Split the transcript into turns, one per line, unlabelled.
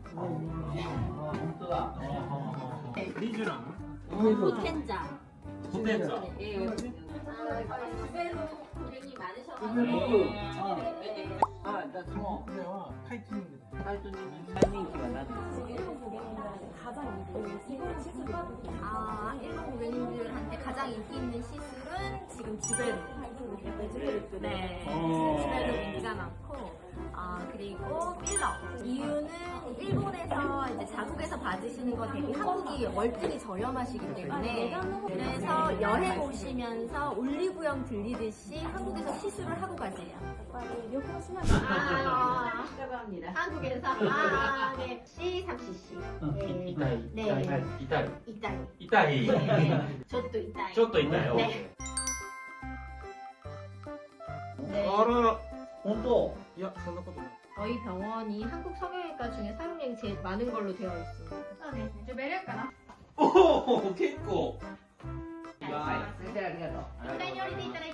리쥬랑
포텐자.
포텐자.
예. 주변으로 고객이 많으셔가지고.
나 small.
그래요. 타이트닝.
타이트닝은 타이밍기가 나는.
일본 고객님들한테 가장 인기 있는 시술은 지금 주베르. 네. 주베르 인기가 많고, 그리고 필러. 이유는 일본에서 이제 자국에서 받으시는 거 대비 한국이 월등히 저렴하시기 때문에, 그래서 여행 오시면서 올리브영 들리듯이 한국에서 시술을 하고 가세요. 한국에서 네. C3cc. 네.
이타이.
네.
이타이.
이따이.
이타이.
네. 저도 이따이.
ちょっと痛いよ。
네. 네.
あらら。
本当
いや、そんなことない。
저희 병원이 한국 성형외과 중에 사용량이 제일 많은 걸로 되어 있습니다.
そうですね。ジュベルかな。
おお、結構。
はい。それではありがとう。
お二人に降りていただ